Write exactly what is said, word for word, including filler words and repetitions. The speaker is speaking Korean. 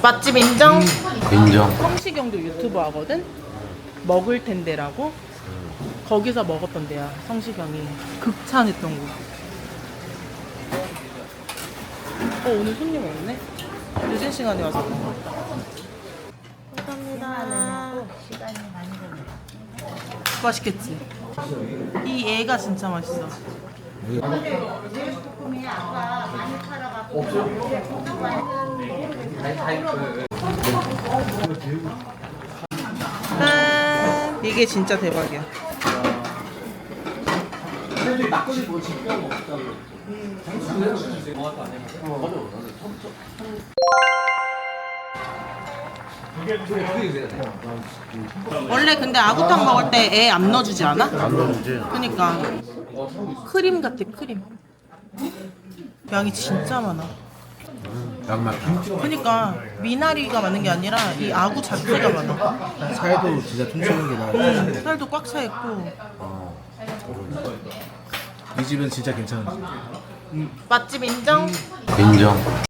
맛집 인정? 인정. 성시경도 유튜브 하거든? 먹을 텐데라고? 거기서 먹었던 데야, 성시경이. 극찬했던 곳. 어, 오늘 손님 없네? 늦은 시간에 와서. 감사합니다. 시간이 많이 걸려. 맛있겠지? 이 애가 진짜 맛있어. 짠! 이게 진짜 대박이야. 원래 근데 아구탕 먹을 때 애 안 넣어주지 않아? 안 넣어주지. 그니까 크림 같아, 크림. 양이 진짜 많아. 양 많다. 그니까 미나리가 많은 게 아니라 이 아구 자체가 많아. 살도 진짜 퉁치는 게 나아. 음, 살도 꽉 차 있고. 이 집은 진짜 괜찮은 집. 맛집 인정? 인정.